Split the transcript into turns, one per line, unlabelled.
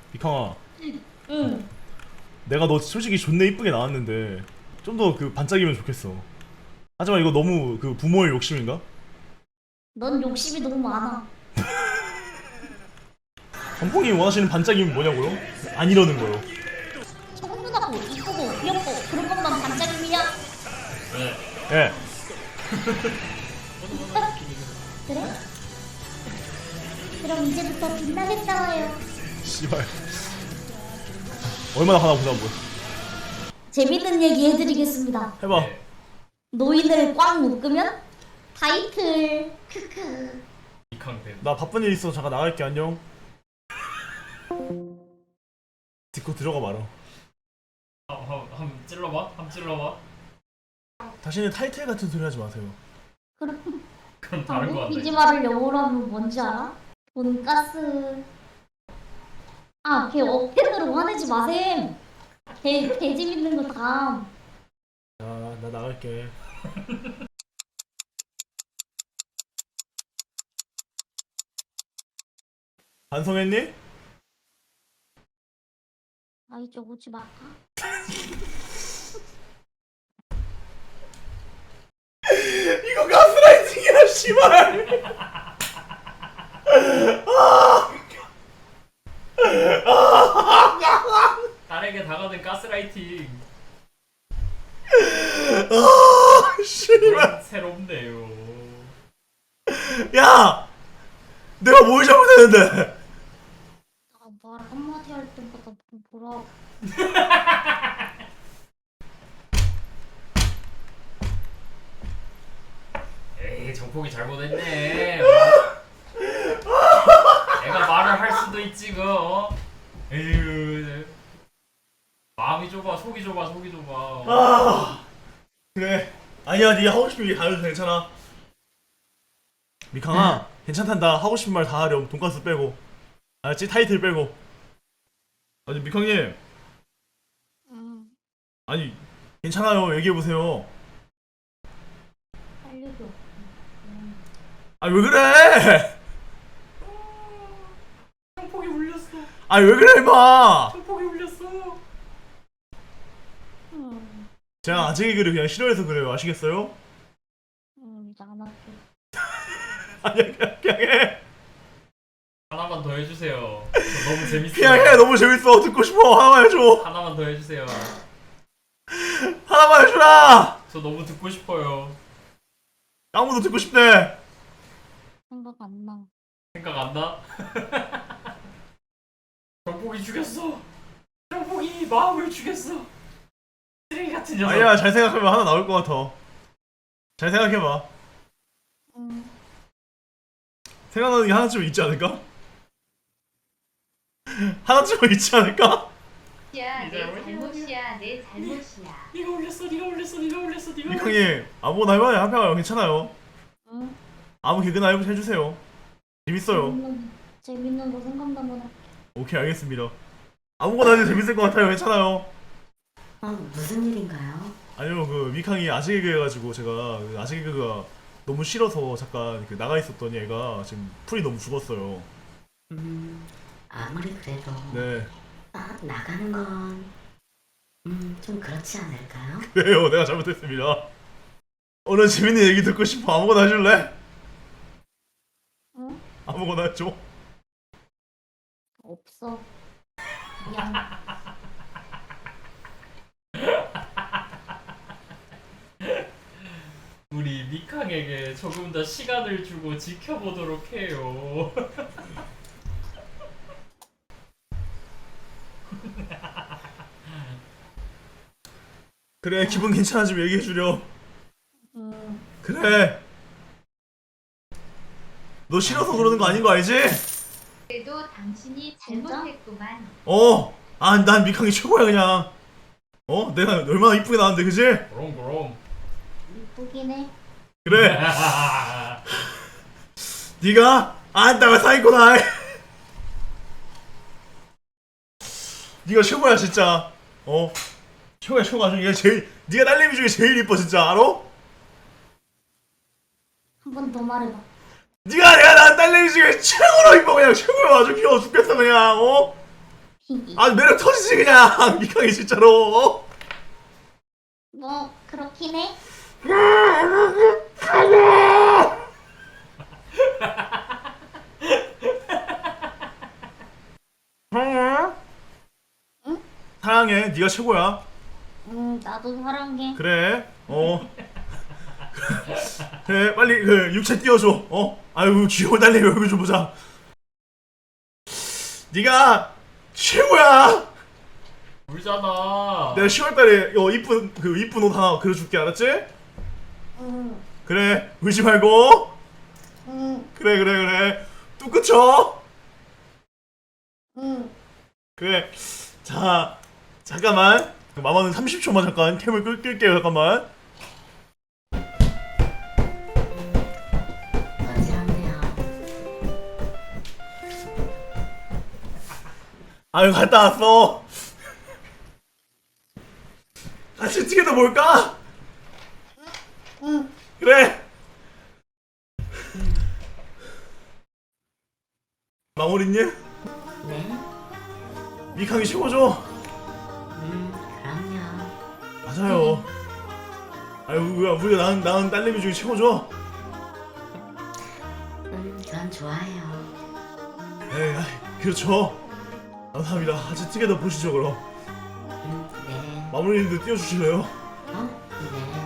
비캉아,
응.
내가 너 솔직히 존나 이쁘게 나왔는데 좀 더 그 반짝이면 좋겠어. 하지만 이거 너무 그 부모의 욕심인가?
넌 욕심이 너무 많아.
정봉이 원하시는 반짝임이 뭐냐고요? 안 이러는 거요.
청순하고 이쁘고 귀엽고 그런 것만 반짝임이야?
예.
그래? 그럼 이제부터 빛나게 싸워요.
씨발. 얼마나 하나 보자 뭐.
재밌는 얘기 해드리겠습니다.
해봐.
노인을 꽉 묶으면 타이틀. 크크.
이캉템.
나 바쁜 일 있어. 잠깐 나갈게. 안녕. 디코 들어가 말어.
한번 찔러봐. 한번 찔러봐.
다시는 타이틀 같은 소리 하지 마세요.
그럼
그럼 다른 거
한국
한다.
비지마를 영어로 하면 뭔지 알아? 돈가스. 아, 걔 억텐으로 화내지 마셈. 걔 재밌는 거 다.
자, 나 나갈게. 반성했니?
아, 이제 오지 마.
이거 가스라이팅이야, 씨발.
딸에게 다가는 가스라이팅.
아, 씨발.
새롭네요.
야, 내가 뭘 잘못했는데?
아, 말 한마디 할 때마다 뭐라.
에이, 정폭이 잘못했네. 내가 말을 할 수도 있지, 그거. 에휴. 마음이 좁아, 속이 좁아, 속이 좁아.
아, 그래. 아니야, 네 하고 싶은 게 다 해도 괜찮아. 미캉아, 괜찮단다. 하고 싶은 말 다 하렴. 돈가스 빼고. 알았지? 타이틀 빼고. 아니, 미캉님. 아니, 괜찮아요. 얘기해보세요.
살려줘.
아, 왜 그래?
정폭이 울렸어.
아, 왜 그래, 임마?
정폭이 울렸어.
제가 아재 개그를 그냥 싫어해서 그래요. 아시겠어요?
이제 안 할게.
아니야, 그냥 해.
하나만 더 해주세요. 저 너무 재밌어요.
그냥 해. 너무 재밌어. 듣고 싶어. 하나만 해줘.
하나만 더 해주세요.
하나만 해주라.
저 너무 듣고 싶어요.
아무도 듣고 싶대.
생각 안 나.
생각 안 나? 정폭이 죽였어. 정폭이 마음을 죽였어. 쓰레기 같은 녀석.
아니야, 잘 생각하면 하나 나올 것 같아. 잘 생각해봐. 생각나는 게 하나쯤은 있지 않을까? 하나쯤은 있지 않을까?
야, 내 잘못이야, 내 잘못이야.
네가 올렸어, 네가 올렸어, 네가 올렸어, 네가 올렸어.
미캉님, 아무거나 해봐요. 한평 괜찮아요.
응.
아무 개그나 해주세요. 재밌어요.
재밌는 거 생각나면 할게.
오케이, 알겠습니다. 아무거나 해도 재밌을 것 같아요. 괜찮아요.
무슨 일인가요?
아니요, 그 미캉이 아재 개그 해가지고 제가 그 아재 개그가 너무 싫어서 잠깐 그 나가 있었더니 애가 지금 풀이 너무 죽었어요.
아무리 그래도
네.
나가는 건 좀 그렇지 않을까요?
그래요, 내가 잘못했습니다. 오늘 재밌는 얘기 듣고 싶어. 아무거나 해줄래?
응?
아무거나 해줘.
없어. 미안.
우리 미캉에게 조금 더 시간을 주고 지켜보도록 해요.
그래, 기분 괜찮아지면 얘기해주렴.
응.
그래. 너 싫어서 그러는 거 아닌 거 알지?
그래도 당신이
진짜?
잘못했구만.
난 미캉이 최고야 그냥. 내가 얼마나 이쁘게 나왔는데, 그지?
그럼.
이쁘긴 해.
그래. 네가 안다가 사기꾼아. 네가 최고야 진짜. 최고야 최고야. 얘가 제일 네가 딸내미 중에 제일 이뻐 진짜 알아?
한 번 더 말해봐.
내가 난 딸내미 중에 최고로 이뻐 그냥 최고야. 아주 귀여워 죽겠어 그냥. 아 매력 터지지 그냥 미캉이 진짜로.
뭐 그렇긴 해.
사랑해. 네가 최고야.
나도 사랑해.
그래. 그래 빨리 그 육체 띄워줘. 아이고 귀여운 딸내미 얼굴 좀 보자. 네가 최고야.
울잖아.
내가 10월달에 이쁜 옷 하나 그려줄게. 알았지? 그래 울지 말고. 그래 뚝 그쳐. 그래. 자 잠깐만 마마는 30초만 잠깐 캠을 끌게요. 잠깐만.
어지럽네요.
아유 갔다 왔어. 같이 티켓도 볼까? 그래. 마무리님
네?
미캉이 최고죠?
그럼요.
맞아요. 아유 우리가 낳은 딸내미 중에 최고죠?
전 좋아요.
에이 그렇죠. 감사합니다. 같이 티켓도 보시죠 그럼.
네.
마무리님도 띄워주실래요?
네.